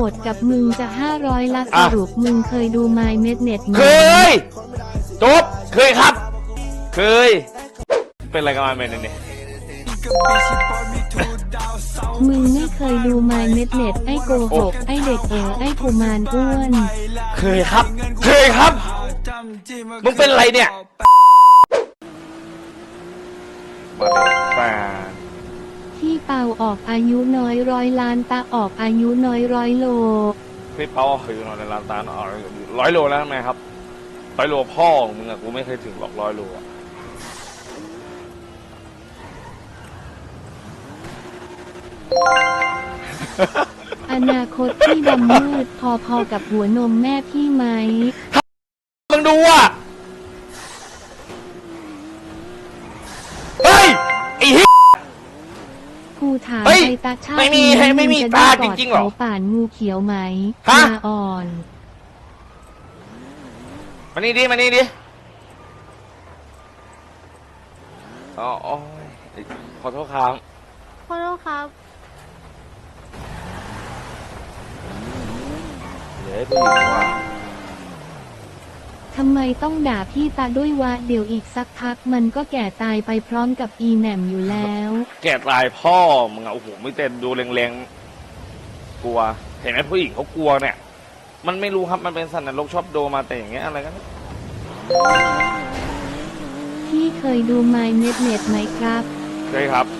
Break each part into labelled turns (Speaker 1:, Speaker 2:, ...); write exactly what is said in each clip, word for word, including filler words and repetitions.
Speaker 1: ดกับมึงจะห้าร้อยละสรุปมึงเคยดู My Mednet ไหม
Speaker 2: เคยจบเคยครับเคยเป็นอะไรกันมาเมนเนี่ย
Speaker 1: มึงไม่เคยดู My Mednet ไอ้โกหกไอ้เด็กเอ๋อไอ้กุมารอ้วน
Speaker 2: เคยครับเคยครับมึงเป็นอะไรเนี่ย
Speaker 1: พี่เปาออกอายุน้อยร้อยล้านตาออกอายุน้อยร้อยโล
Speaker 2: พี่เปาคือน้อยล้านตาร้อยโลแล้วทำไมครับร้อยโลพ่อมึงอะกูไม่เคยถึงหรอกร้อยโลอะ
Speaker 1: อนาคตพี่ดำมืดพอๆกับหัวนมแม่พี่ไหม
Speaker 2: มึงดูอ่ะเฮ้ยไอ้เหี้ย
Speaker 1: กูถามไปตาชาติไม่มีไม่มีตาจริงๆหรอป่านงูเขียวไหมตาอ่อน
Speaker 2: มานี่ดิมานี่ดิอ๋อขอโทษครับ
Speaker 3: ขอโทษครับ
Speaker 2: เดี๋ยวผู้หญิงว่า
Speaker 1: ทำไมต้องด่าพี่ตาด้วยวะเดี๋ยวอีกสักพักมันก็แก่ตายไปพร้อมกับอีแหม่มอยู่แล้ว
Speaker 2: แก่ตายพ่อมึงอะโอ้โหไม่เต้นดูแรงๆกลัวเห็นไหมผู้หญิงเขากลัวเนี่ยมันไม่รู้ครับมันเป็นสัตว์นรกชอบโดมาแต่อย่างเงี้ยอะไรกัน
Speaker 1: พี่เคยดู My Mednet ไหมครับ
Speaker 2: เคยครับ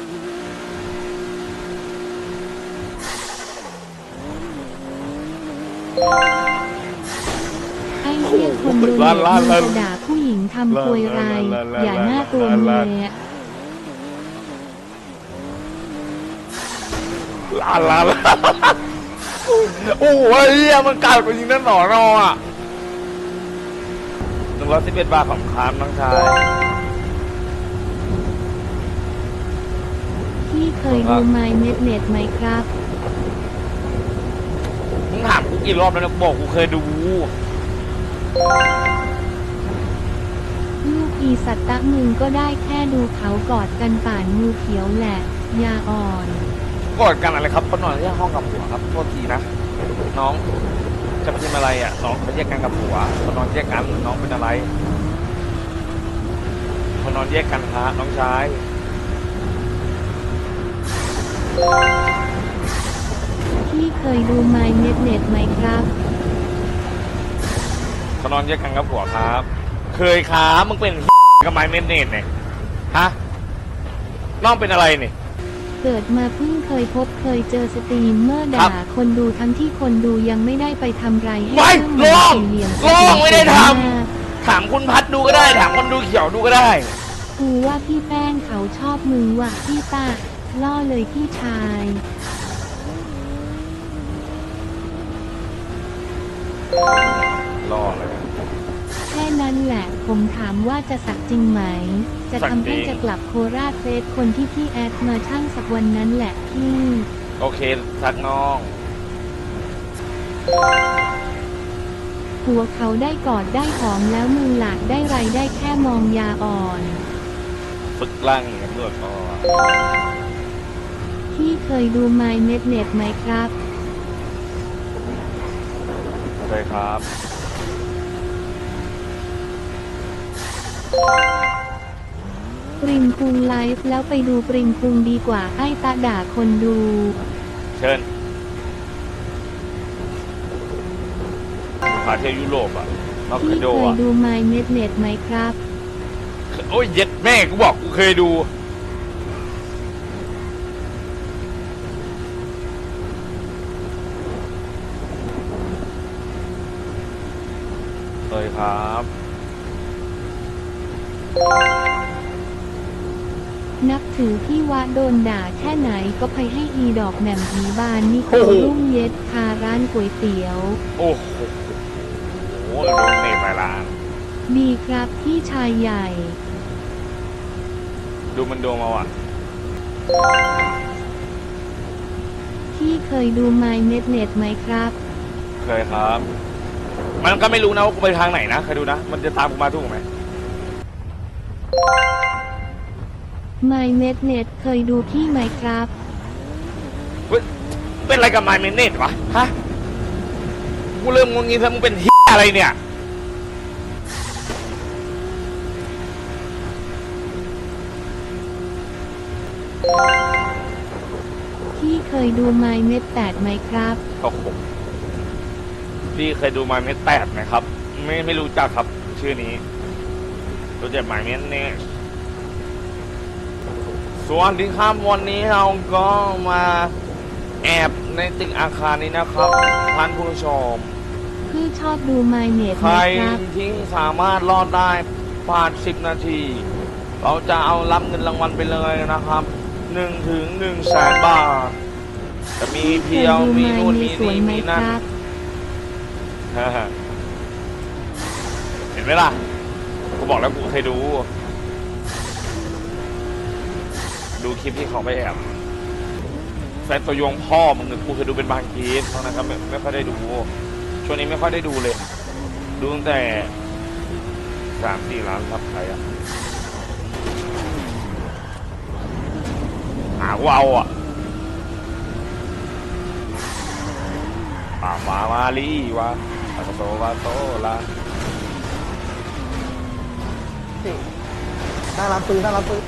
Speaker 1: ไอ้เหี้ยคนดูเนี่ยมันจะด่าผู้หญิงทำควยไรอย่าหน้าตัวเมีย
Speaker 2: ลาลาโอ้โหเหี้ยมันกลายเป็นยิงนั่นหนอนอ่ะหนึ่งร้อยสิบเอ็ดบาทของคามน้องชาย
Speaker 1: พี่เคยดู My Mednet ไหมครับ
Speaker 2: มึงถามกูกี่รอบแล้วนะบอกกูเคยดู
Speaker 1: ลูกอีสัตตะมึงก็ได้แค่ดูเขากอดกันป่านงูเขียวแหละยาอ่อน
Speaker 2: กอดกันอะไรครับเขานอนที่ห้องกับผัวครับโทษทีนะน้องจะเป็นอะไรอ่ะน้องเขาแยกกันกับผัวเขานอนแยกกันน้องเป็นอะไรเขานอนแยกกันฮะน้องชาย
Speaker 1: พี่เคยดู My Mednet ไหมครับ
Speaker 2: เขานอนแยกกันกับผัวครับเคยครับมึงเป็นกับ My Mednet เนี่ยฮะน้องเป็นอะไรเนี่ย
Speaker 1: เกิดมาเพิ่งเคยพบเคยเจอสตรีมเมอร์ด่าคนดูทั้งที่คนดูยังไม่ได้ไปทำไรให้
Speaker 2: เรื่องมันสี่เหลี่ยมลองไม่ได้ทำถามคุณพัดดูก็ได้ถามคนดูเขียวดูก็ได้
Speaker 1: กูว่าพี่แป้งเขาชอบมึงว่ะพี่ตาล่อเลยพี่ชาย
Speaker 2: ล่อเลย
Speaker 1: แค่นั้นแหละผมถามว่าจะสักจริงไหมจะทำให้จะกลับโคราชเฟสคนที่พี่แอดมาช่างสักวันนั้นแหละพี่
Speaker 2: โอเคสักน้อง
Speaker 1: หัวเขาได้กอดได้หอมแล้วมือหลากได้ไรได้แค่มองยาอ่อน
Speaker 2: ฝึกร่างกันด้วยพ่อ
Speaker 1: พี่เคยดู My Mednet ไหมครับ
Speaker 2: เคยครับ
Speaker 1: ปริมคุงไลฟ์แล้วไปดูปริมคุงดีกว่าไอ้ตาด่าคนดู
Speaker 2: เชิญพาเที่ยวยุโรปอ่ะ
Speaker 1: พี่เคยดู My Mednet ไหมครับ
Speaker 2: โอ้ยเย็ดแม่กูบอกกูเคยดูเคยครับ
Speaker 1: นับถือพี่วะโดนด่าแค่ไหนก็ไปให้อีดอกแหม่มผีบานนี่โครุ่งเย็ดคาร้านก๋วยเตี๋ยว
Speaker 2: โอ้โหโอ้โหโดนเนตไปร้าน
Speaker 1: ดีครับพี่ชายใหญ่
Speaker 2: ดูมันโดมาว่ะ
Speaker 1: พี่เคยดู My Mednet ไหมครับ
Speaker 2: เคยครับมันก็ไม่รู้นะว่ากูไปทางไหนนะเคยดูนะมันจะตามกูมาถูกไหม
Speaker 1: My Mednet เคยดูพี่ไหมครับ
Speaker 2: เฮ้ยเป็นอะไรกับไมเมเนตวะฮะกูเริ่มงงงี้แล้วมึงเป็นเฮียอะไรเนี่ย
Speaker 1: พี่เคยดูไมเม็ดแปดไหมครับ
Speaker 2: โอ้โหพี่เคยดูไมเมเนตแปดไหมครับ ไม่ไม่รู้จักครับ ชื่อนี้รู้จักไมเมเนตส่วนที่ข้ามวันนี้เราก็มาแอบในตึกอาคารนี้นะครับท่านผู้ชม
Speaker 1: พี่ชอบดูไมเม็ด
Speaker 2: ใค
Speaker 1: ไหม
Speaker 2: ร
Speaker 1: ครับ
Speaker 2: ที่สามารถรอดได้ผ่านสิบนาที เราจะเอารับเงินรางวัลไปเลยนะครับหนึ่งถึงหนึ่งแสนบาท จะมี
Speaker 1: พี่เค
Speaker 2: เพี
Speaker 1: ย
Speaker 2: ยว
Speaker 1: ดู
Speaker 2: มี
Speaker 1: ไม
Speaker 2: นู่น
Speaker 1: ใน
Speaker 2: มี
Speaker 1: สวน
Speaker 2: นี่
Speaker 1: ไหม
Speaker 2: มี
Speaker 1: ค
Speaker 2: นั่น
Speaker 1: รับ
Speaker 2: เห็นไหมล่ะ กูบอกแล้วกูเคยดู ดูคลิปที่เขาไปแอบแฟนตัวยงพ่อมึงเนี่ยกูเคยดูเป็นบางคลิปเท่านั้นครับไม่ไม่ค่อยได้ดู ช่วงนี้ไม่ค่อยได้ดูเลย ดูตั้งแต่สามสี่ล้านซับใครอะหากูเอาอ่ะป่ามามาลีวะปากโตวาโตละ
Speaker 3: หน้าร้านปืนหน้าร้านปืน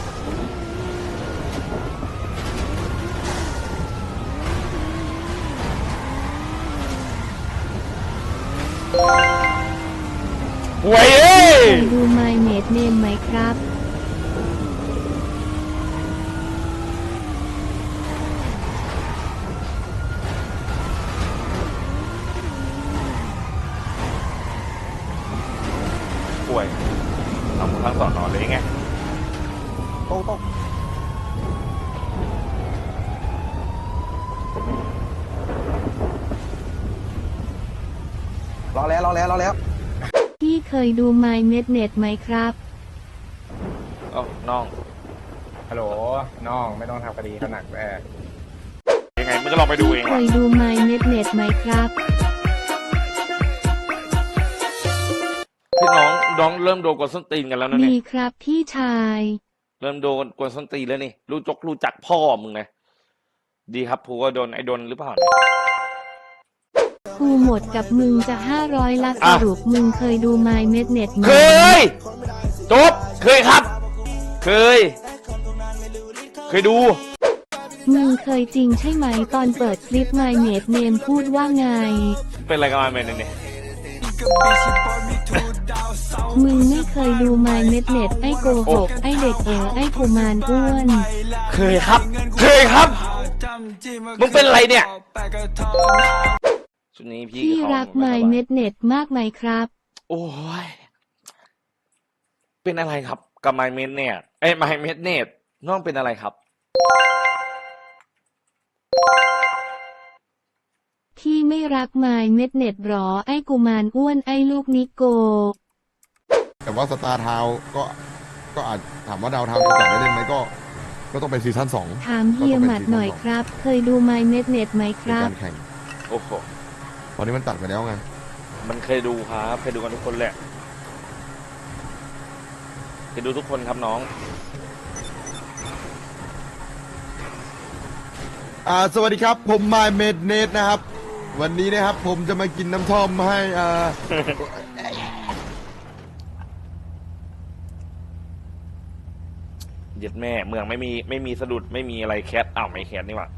Speaker 2: หวยเอ้ย
Speaker 1: เคยดูไมเม็ดเนมไหมครับ
Speaker 2: ป่วยทำทั้งสอนนอนเลยไง
Speaker 3: โต๊ะโต๊ะรอแล้วรอแล้วรอแล้ว
Speaker 1: พี่เคยดูไมเม็ดเน็ตไหมครับ
Speaker 2: เอ้าน้อง
Speaker 4: ฮัลโหลน้องไม่ต้องทำคดีขนาดแม่
Speaker 2: ยังไงมึงก็ลองไปดู
Speaker 1: พี่
Speaker 2: เอง
Speaker 1: เค
Speaker 2: ว่ะ
Speaker 1: ยดูไมเม็ดเน็ตไหมครับ
Speaker 2: พี่น้องน้องเริ่มโดนกวนส้นตีนกันแล้วนะ
Speaker 1: ดี
Speaker 2: เนี่ย
Speaker 1: ครับพี่ชาย
Speaker 2: เริ่มโดนกวนส้นตีนแล้วนี่รู้จกรู้จักพ่อมึงนะดีครับผูก็โดนไอ้โดนหรือเปล่า
Speaker 1: กูหมดกับมึงจะห้าร้อยละส
Speaker 2: อ่ะ
Speaker 1: รุปมึงเคยดูไมเม็ดเน็ตไหม
Speaker 2: เคยจบเคยครับ เคย เคยดู
Speaker 1: มึงเคยจริงใช่ไหมตอนเปิดคลิปไมเม็ดเนมพูดว่าไง
Speaker 2: เป็นอะไรกันมาเป็นเนี่ย
Speaker 1: มึงไม่เคยดูไมเม็ดเน็ตไอ้โกหกไอ้เด็กเอ๋อไอ้กุมารอ้วน
Speaker 2: เคยครับ เคยครับ มึงเป็นอะไรเนี่ยชุดนี้พี่
Speaker 1: พี่
Speaker 2: เขา
Speaker 1: รักไมเม็ดเน็ตมากไหมครับ
Speaker 2: โอ้ย เป็นอะไรครับกับไมเมดเนตเอ้ยไมเมดเนตน้องเป็นอะไรครับ
Speaker 1: พี่ไม่รักไมเม็ดเน็ตหรอไอ้กุมารอ้วนไอ้ลูกนิโก
Speaker 5: แต่ว่าสตาร์ทาวก็ก็อาจถามว่าดาวทาวน์จะกลับได้เล่นไหมก็ ก็ต้องเป็นซีซั่นสอง
Speaker 1: ถามเฮียหมัดหน่อยครับ เคยดูไมเม็ดเน็ตไหมค
Speaker 5: ใน
Speaker 1: รับ
Speaker 5: การแข่ง
Speaker 2: โอ้โห
Speaker 5: ตอนนี้มันตัดไปแล้วไง
Speaker 2: มันเคยดูครับเคยดูกันทุกคนแหละเคยดูทุกคนครับน้อง
Speaker 5: อ่าสวัสดีครับ ผมมายเมดเนตนะครับ วันนี้นะครับผมจะมากินน้ำท่อมให้อ่า
Speaker 2: เย็ดแม่เมืองไม่มีไม่มีสะดุดไม่มีอะไรแคทอ้าวไม่แคทนี่หว่า